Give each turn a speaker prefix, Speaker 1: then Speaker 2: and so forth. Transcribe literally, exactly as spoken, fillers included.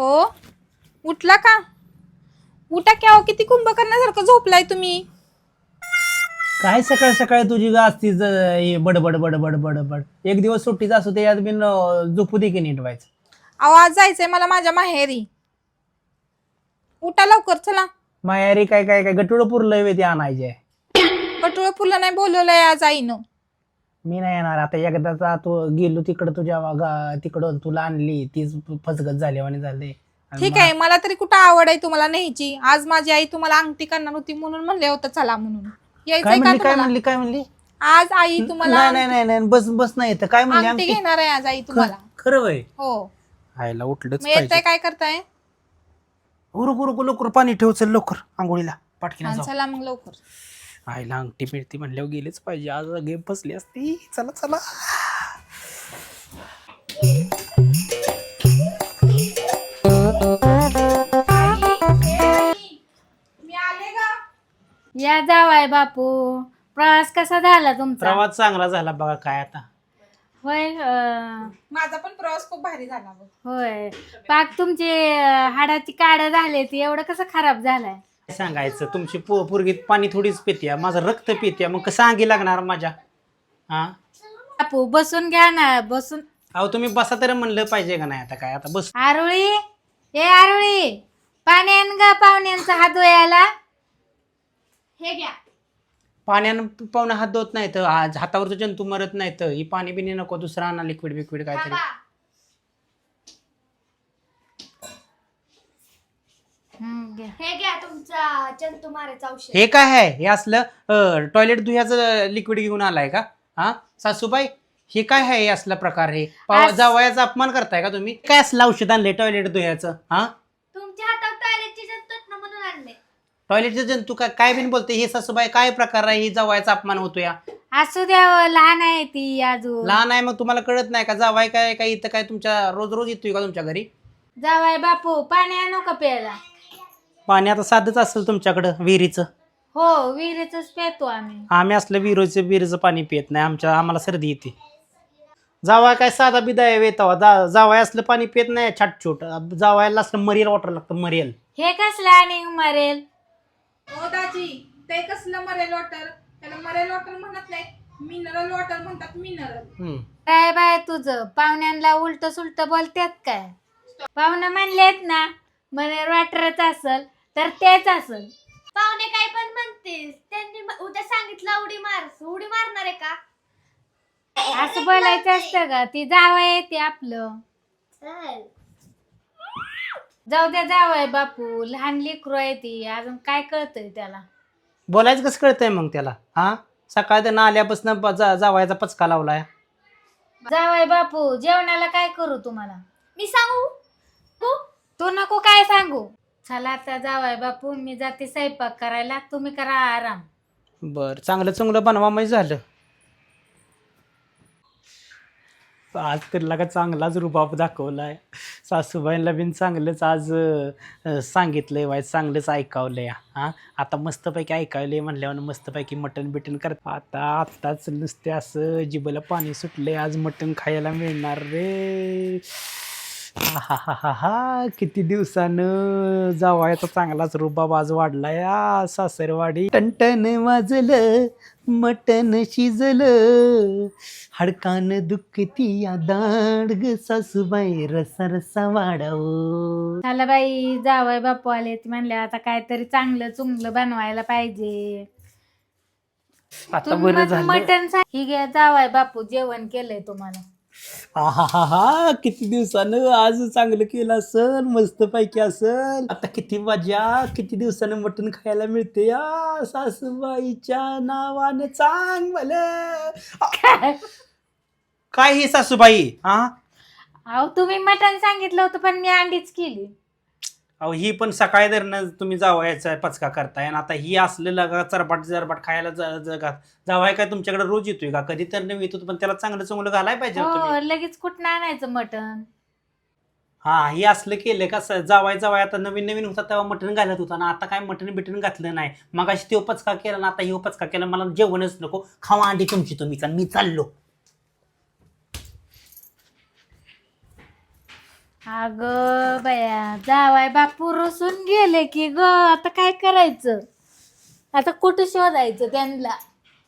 Speaker 1: हो उठला का? उठा की अहो, किती कुंभ करण्यासारखं झोपलाय तुम्ही.
Speaker 2: काय सकाळ सकाळी तुझी गा असतीच हे बडबड बडबड बडबड. एक दिवस सुट्टीचा असू ते यात बिन अं, झोपू दे की नीट व्हायचं.
Speaker 1: आवाज जायचंय मला माझ्या माहेरी. उठा लवकर चला.
Speaker 2: मायारी काय काय काय गटुड पुरलंय वे ते आणायचे.
Speaker 1: कटोळ फुलं नाही बोलवलंय आज आईनं.
Speaker 2: मी नाही येणार आता. एकदाचा तू गेलो तिकडं तुझ्या गा- तिकडं तुला आणली तीच फसगत झाली आणि झाले. आणि
Speaker 1: ठीक
Speaker 2: मग
Speaker 1: आहे मला तरी कुठं आवड आहे तुम्हाला न्यायची. आज माझी आई तुम्हाला अंगठी करणार होती म्हणून म्हणले होतं चला म्हणून.
Speaker 2: काय
Speaker 1: यायचंय का
Speaker 2: म्हणली काय
Speaker 1: तुम्हाला?
Speaker 2: म्हणली काय म्हणली?
Speaker 1: आज आई तुम्हाला
Speaker 2: नाही नाही नाही नाही बस बस नाही तर काय म्हणली
Speaker 1: अंगठी
Speaker 2: आमची?
Speaker 1: घेणार आहे आज आई तुम्हाला.
Speaker 2: खरं वय
Speaker 1: हो
Speaker 2: आयला उठलंच
Speaker 1: मग येतंय
Speaker 2: पाहिजे.
Speaker 1: काय करताय?
Speaker 2: उरक उरक लवकर पाणी ठेव चल लवकर आंघोळीला पाटकीनं
Speaker 1: हा,
Speaker 2: जाऊ.
Speaker 1: चला मग लवकर.
Speaker 2: आईला अंगठी मिळती म्हणल्यावर गेलेच पाहिजे. आज गेम फसली असती. चला चला
Speaker 1: मी आले का?
Speaker 3: या जावाय बापू. प्रवास कसा झाला तुमचा?
Speaker 2: प्रवास चांगला झाला बघा. काय आता
Speaker 3: होय अं,
Speaker 1: माझा पण प्रवास खूप भारी झाला बघ.
Speaker 3: होय पाक तुमची अं, हाडाची काड झाली ती एवढं कसं खराब झालाय?
Speaker 2: काय सांगायचं तुमची पो पोरगी पाणी थोडीच पित्या. माझं रक्त पित्या. मग कसं अंगी लागणार माझ्या? हा
Speaker 3: बापू बसून घ्या ना बसून.
Speaker 2: अहो तुम्ही बसा तरी म्हणलं पाहिजे का नाही? आता काय आता बस.
Speaker 3: आरुळी ए आरुळी पाणी आण ग पाहुण्यांचा हात धुयाला.
Speaker 1: हे घ्या.
Speaker 2: पाण्यानं पाहुणे हात धुत नाही तर आज हातावरचं जंतू मरत नाही तर ही पाणी बिणी नको दुसरं आणा लिक्विड बिक्विड काहीतरी.
Speaker 3: हम्म, घ्या.
Speaker 4: हे घ्या तुमचा जंतू मारायचं औषध.
Speaker 2: हे काय आहे? हे असलं टॉयलेट धुयाचं लिक्विड घेऊन आलाय का? हा सासूबाई हे काय आहे? हे असला प्रकार हे पाव-
Speaker 3: अस-
Speaker 2: जावयाचा अपमान करताय का तुम्ही? काय असलं औषध आणलंय टॉयलेट धुयाचं? हा
Speaker 4: तुमच्या हातात टॉयलेटची जंतू आहेत ना म्हणून आणले.
Speaker 2: टॉयलेटचे जंतू काय काय बिन बोलते हे सासूबाई? काय प्रकार आहे? ही जावयाचा अपमान होतो या.
Speaker 3: असू द्या लहान आहे ती अजून.
Speaker 2: लहान आहे मग तुम्हाला कळत नाही का? जावाय काय काय इथं काय तुमच्या रोज रोज येतोय का तुमच्या घरी?
Speaker 3: जावाय बापू पाणी आणू का प्यायला?
Speaker 2: पाणी आता साधंच असेल तुमच्याकडं विहिरीचं.
Speaker 3: हो विहिरीच पेतो आम्ही.
Speaker 2: आम्ही असलं विहिरीचं विहिरीचं पाणी पित नाही. आमच्या आम्हाला सर्दी येते. जावाय काय साधा बिदा आहे वेतावा जा जावाय असलं पाणी पित नाही छाटछूट. जावायला असलं मरियल वॉटर लागतं मरियल.
Speaker 3: हे कसलं आणि मरेल?
Speaker 1: हो दाजी ते कसलं मरेल वॉटर? त्याला मरेल वॉटर म्हणत नाही, मिनरल वॉटर म्हणतात. मिनरल.
Speaker 2: हम्म.
Speaker 3: काय बाय तुझं पाहुण्यांना उलट सुलट बोलतात काय? पाहुणं म्हणलेत ना म्हणे वाटरच असल तर तेच असल.
Speaker 4: पाहुणे काय पण म्हणतेस, त्यांनी म- उद्या सांगितलं उडी मार, उडी मारणार आहे का?
Speaker 3: असं बोलायचं असतं का? ती जावं ते आपलं.
Speaker 4: चल.
Speaker 3: जाऊ द्या जावंय बापू लहान लेकरू आहे ती अजून काय कळतंय त्याला?
Speaker 2: बोलायचं कसं कळतंय मग त्याला? हा सकाळ त्यांना आल्यापासून ब- जा- जावायचा पचका लावलाय.
Speaker 3: जावंय बापू जेवणाला काय करू तुम्हाला?
Speaker 4: मी सांगू तू?
Speaker 3: तू नको काय सांगू. चला आता जावंय बापू मी जाते स्वयंपाक करायला तुम्ही करा आराम.
Speaker 2: बर चांगलं चांगलं बनवा म्हणजे झालं. आज तर लागा चांगलाच रुबाब दाखवलाय. सासूबाईंना बिन चांगलंच आज अं, सांगितलंय वाय चांगलंच ऐकावलंय. हा आता मस्तपैकी ऐकावलंय म्हणल्यावर मस्तपैकी मटण बिटन कर. आता आत्ताच नुसते असं जिभेला पाणी सुटलंय. आज मटण खायला मिळणार रे. हा हा हा हा किती दिवसानं जावायचा चांगलाच रुबाब आज वाढलाय. या सासरवाडी टनटन वाजलं मटण शिजलं हडकान दुखती या दांड ग सासूबाई रसा रसा वाढावं.
Speaker 3: चला बाई जावंय बापू आले ती म्हणले आता काहीतरी चांगलं चुंगलं बनवायला पाहिजे.
Speaker 2: आता
Speaker 3: तुम्ही
Speaker 2: बरं
Speaker 3: मग
Speaker 2: झालं.
Speaker 3: मटण सा- ही घ्या जावाय बापू जेवण केलंय तुम्हाला.
Speaker 2: हा हा हा किती दिवसानं आज चांगलं केलं असल मस्तपैकी असल. आता किती मजा किती दिवसानं मटण खायला मिळते या सासूबाईच्या नावानं चांग मला. काय ही सासूबाई? हा
Speaker 3: अहो तुम्ही मटण सांगितलं होतं पण मी अंडीच केली.
Speaker 2: अहो ही पण सकाळी धरणं तुम्ही जावायचा पचका करताय आणि आता ही असलेलं का चरबाट चरबाट खायला ज- जगात जावाय काय तुमच्याकडे रोज येतोय का? कधी तर नाही येतो पण त्याला चांगलं चांगलं घालाय पाहिजे ना तुम्ही.
Speaker 3: हो लगेच कुठं आणायचं मटण?
Speaker 2: हा हे असलं केलं का स- जावाय जावाय आता नवीन नवीन होता तेव्हा मटण घालत होता ना. आता काय मटण बिटण घातलं नाही. मग अशी तो पचका केला ना आता हे पचका केला. मला जेवणच नको. खावा अंडी तुमची तुम्ही मी चाललो.
Speaker 3: अगं बया जावाय बापू रुसून गेले की ग आता काय करायचं आता कुठं शोधायचं त्यांना